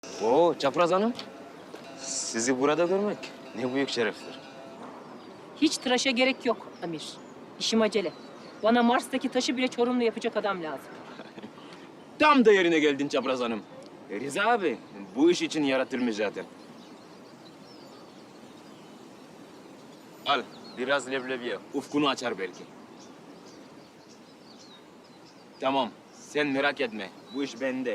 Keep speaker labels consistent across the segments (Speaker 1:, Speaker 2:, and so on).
Speaker 1: Oo Çapraz Hanım. Sizi burada görmek ne büyük şereftir.
Speaker 2: Hiç tıraşa gerek yok Amir. İşim acele. Bana Mars'taki taşı bile Çorum'la yapacak adam lazım.
Speaker 1: Tam da yerine geldin Çapraz Hanım. Rıza abi bu iş için yaratılmış zaten. Al biraz leblebiye. Ufkunu açar belki. Tamam sen merak etme. Bu iş bende.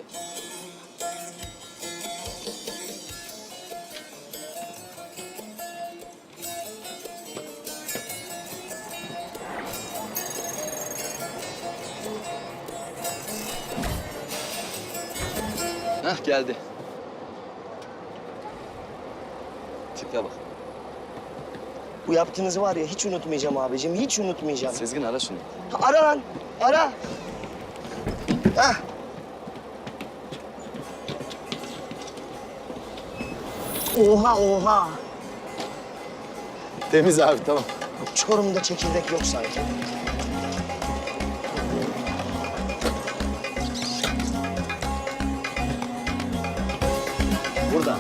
Speaker 3: Hah geldi. Tipe bak.
Speaker 4: Bu yaptığınızı var ya hiç unutmayacağım abicim, hiç unutmayacağım.
Speaker 3: Sezgin ara şunu.
Speaker 4: Ara lan, ara. Hah. Oha, oha.
Speaker 3: Temiz abi tamam.
Speaker 4: Çorum'da çekirdek yok sanki.
Speaker 3: Burada.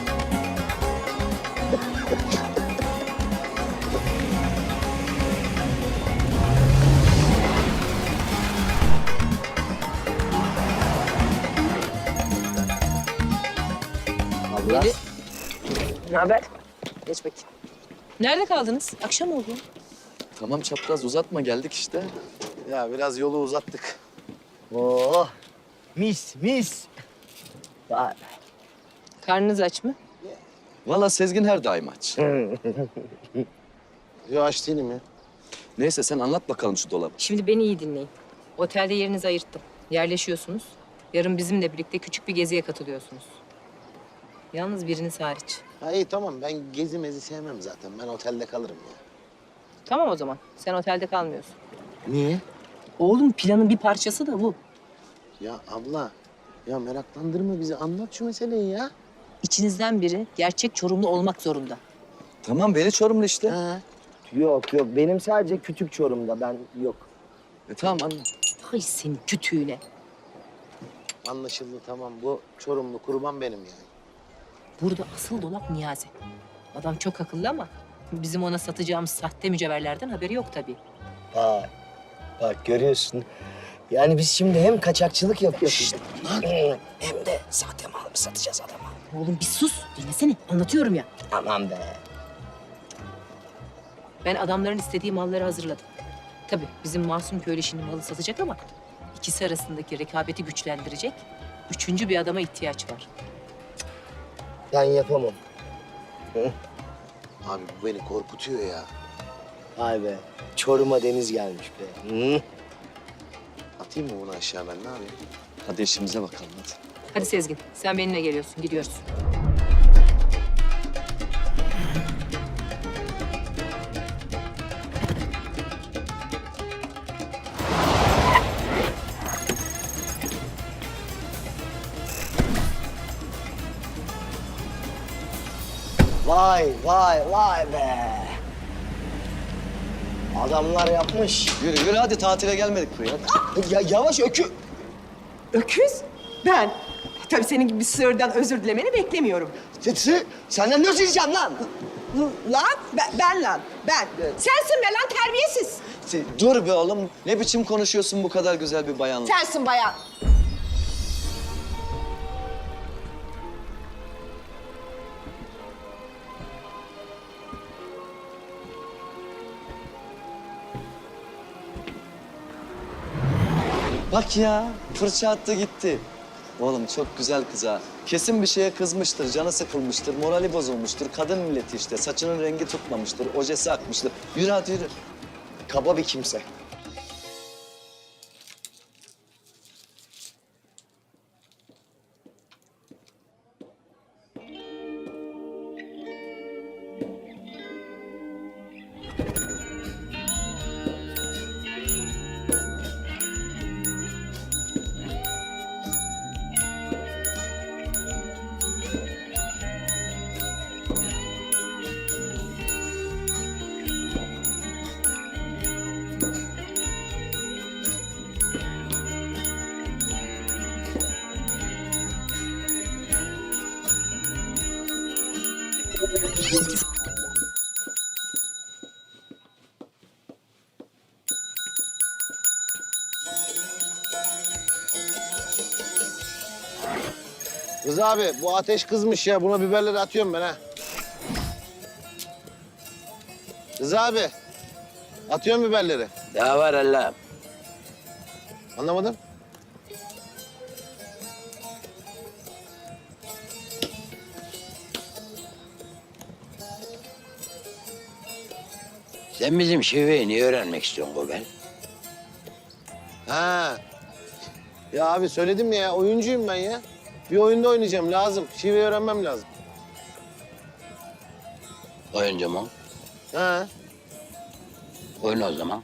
Speaker 3: Abla.
Speaker 2: Ne haber? Geç bakayım. Nerede kaldınız? Akşam oldu.
Speaker 3: Tamam çapraz uzatma geldik işte.
Speaker 5: Ya biraz yolu uzattık.
Speaker 4: Oh, mis, mis. Vay.
Speaker 2: Karnınız aç mı?
Speaker 3: Valla Sezgin her daim aç.
Speaker 5: Yo aç değilim ya.
Speaker 3: Neyse sen anlat bakalım şu dolabı.
Speaker 2: Şimdi beni iyi dinleyin. Otelde yerinizi ayırttım. Yerleşiyorsunuz. Yarın bizimle birlikte küçük bir geziye katılıyorsunuz. Yalnız biriniz hariç.
Speaker 5: Ha iyi tamam ben gezi mezi sevmem zaten. Ben otelde kalırım ya.
Speaker 2: Tamam o zaman. Sen otelde kalmıyorsun.
Speaker 5: Niye?
Speaker 2: Oğlum planın bir parçası da bu.
Speaker 5: Ya abla ya meraklandırma bizi anlat şu meseleyi ya.
Speaker 2: İçinizden biri gerçek Çorumlu olmak zorunda.
Speaker 3: Tamam beni Çorumlu işte.
Speaker 5: Ha.
Speaker 4: Yok yok, benim sadece kütük Çorum'da, ben yok.
Speaker 3: Tamam anlat.
Speaker 2: Hay senin kütüğüne.
Speaker 5: Anlaşıldı tamam bu Çorumlu kurban benim yani.
Speaker 2: Burada asıl dolap Niyazi. Adam çok akıllı ama bizim ona satacağımız sahte mücevherlerden haberi yok tabii.
Speaker 4: Bak, bak görüyorsun. Yani biz şimdi hem kaçakçılık yapıyoruz. Hem de sahte mal mı satacağız adama?
Speaker 2: Oğlum bir sus. Dinlesene. Anlatıyorum ya.
Speaker 4: Aman be.
Speaker 2: Ben adamların istediği malları hazırladım. Tabii bizim Masum köylü şimdi malı satacak ama ikisi arasındaki rekabeti güçlendirecek üçüncü bir adama ihtiyaç var.
Speaker 4: Ben yapamam.
Speaker 5: Abi bu beni korkutuyor ya.
Speaker 4: Vay be. Çorum'a deniz gelmiş be. Hı?
Speaker 5: Atayım mı bunu aşağı ben ne yapayım?
Speaker 3: Hadi işimize bakalım hadi.
Speaker 2: Hadi Sezgin sen benimle geliyorsun. Gidiyoruz.
Speaker 4: Vay vay vay be. Adamlar yapmış.
Speaker 3: Yürü yürü hadi tatile gelmedik buraya. Hadi.
Speaker 4: Ya yavaş
Speaker 6: Öküz? Ben. Tabii senin gibi bir sığırdan özür dilemeni beklemiyorum.
Speaker 4: Senden ne diyeceğim lan?
Speaker 6: Lan? Ben lan. Ben. Sensin be lan terbiyesiz.
Speaker 3: Dur be oğlum. Ne biçim konuşuyorsun bu kadar güzel bir bayanla?
Speaker 6: Sensin bayan.
Speaker 3: Bak ya fırça attı gitti. Oğlum çok güzel kız ha. Kesin bir şeye kızmıştır, canı sıkılmıştır, morali bozulmuştur. Kadın milleti işte, saçının rengi tutmamıştır, ojesi akmıştır. Yürü hadi yürü.
Speaker 4: Kaba bir kimse.
Speaker 5: Rıza abi bu ateş kızmış ya. Buna biberleri atıyorum ben ha. Rıza abi. Atıyorum biberleri.
Speaker 4: Daha var Allah'ım.
Speaker 5: Anlamadım.
Speaker 4: Sen bizim şiveyi niye öğrenmek istiyorsun Gobel?
Speaker 5: Ha. Ya abi söyledim ya oyuncuyum ben ya. Bir oyunda oynayacağım lazım. Şiveyi öğrenmem lazım.
Speaker 4: Oyuncu mu?
Speaker 5: Ha.
Speaker 4: Oyna o zaman.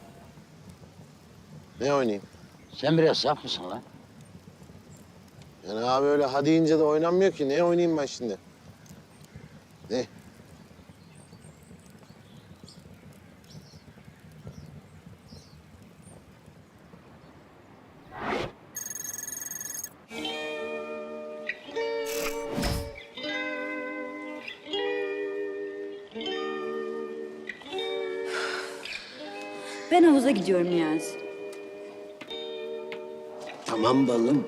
Speaker 5: Ne oynayayım?
Speaker 4: Sen biraz saf mısın lan?
Speaker 5: Yani abi öyle hadi deyince de oynanmıyor ki. Ne oynayayım ben şimdi? Ne?
Speaker 7: Ben havuza gidiyorum Niyazi.
Speaker 4: Tamam balım.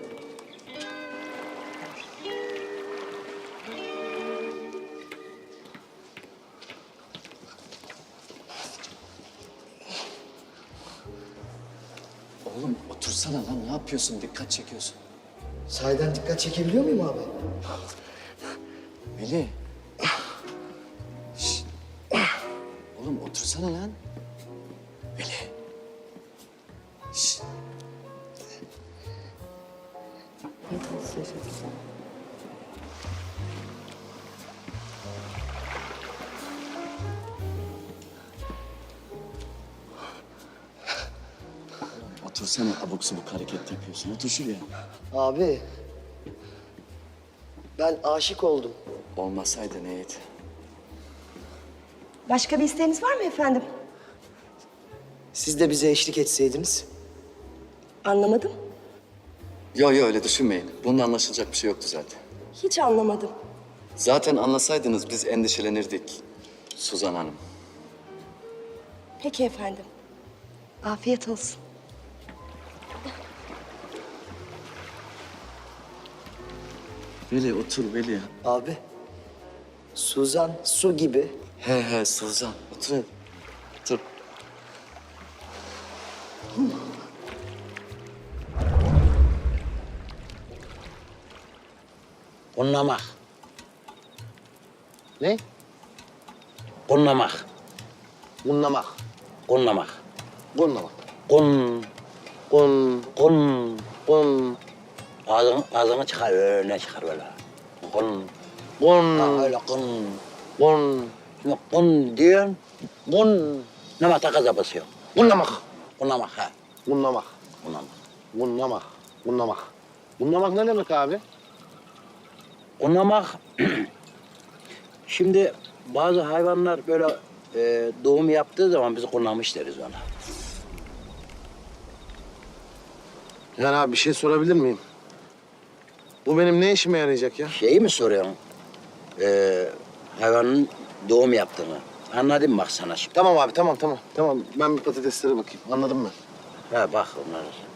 Speaker 3: Oğlum otursana lan, ne yapıyorsun? Dikkat çekiyorsun.
Speaker 4: Sahiden dikkat çekebiliyor muyum abi?
Speaker 3: Veli. Şşt. Oğlum otursana lan. Veli. Şşt. Otursana, abuk subuk hareket yapıyorsun. Otur şuraya.
Speaker 4: Abi, ben aşık oldum.
Speaker 3: Olmasaydı neydi?
Speaker 8: Başka bir isteğiniz var mı efendim?
Speaker 4: Siz de bize eşlik etseydiniz.
Speaker 8: Anlamadım.
Speaker 9: Yo öyle düşünmeyin. Bunun anlaşılacak bir şey yoktu zaten.
Speaker 8: Hiç anlamadım.
Speaker 9: Zaten anlasaydınız biz endişelenirdik Suzan Hanım.
Speaker 8: Peki efendim. Afiyet olsun.
Speaker 3: Veli otur Veli.
Speaker 4: Abi, Suzan su gibi.
Speaker 9: He Suzan. Otur. Otur.
Speaker 4: Kunlamak,
Speaker 5: Ne?
Speaker 4: kunlamak,
Speaker 5: Bunlamak.
Speaker 4: kunlamak.
Speaker 5: Bunlamak.
Speaker 4: Kun,
Speaker 5: Bun,
Speaker 4: kun.
Speaker 5: bun,
Speaker 4: Ağzını çıkar, öne çıkar böyle. Kun.
Speaker 5: bun,
Speaker 4: Ha, öyle kun.
Speaker 5: bun.
Speaker 4: Şimdi kun diyorsun, kun. Namakta gaza basıyor.
Speaker 5: Bunlamak.
Speaker 4: Kunlamak, ha.
Speaker 5: Bunlamak.
Speaker 4: Kunlamak.
Speaker 5: Bunlamak. Bunlamak. Bunlamak ne demek abi?
Speaker 4: Kunlamak, şimdi bazı hayvanlar böyle doğum yaptığı zaman biz kunlamış deriz ona.
Speaker 5: Yani abi bir şey sorabilir miyim? Bu benim ne işime yarayacak ya?
Speaker 4: Şeyi mi soruyorsun? Hayvanın doğum yaptığını. Anladın mı bak sana şimdi?
Speaker 5: Tamam abi tamam. Tamam ben bir patateslere bakayım. Anladım ben.
Speaker 4: Ha bak onları.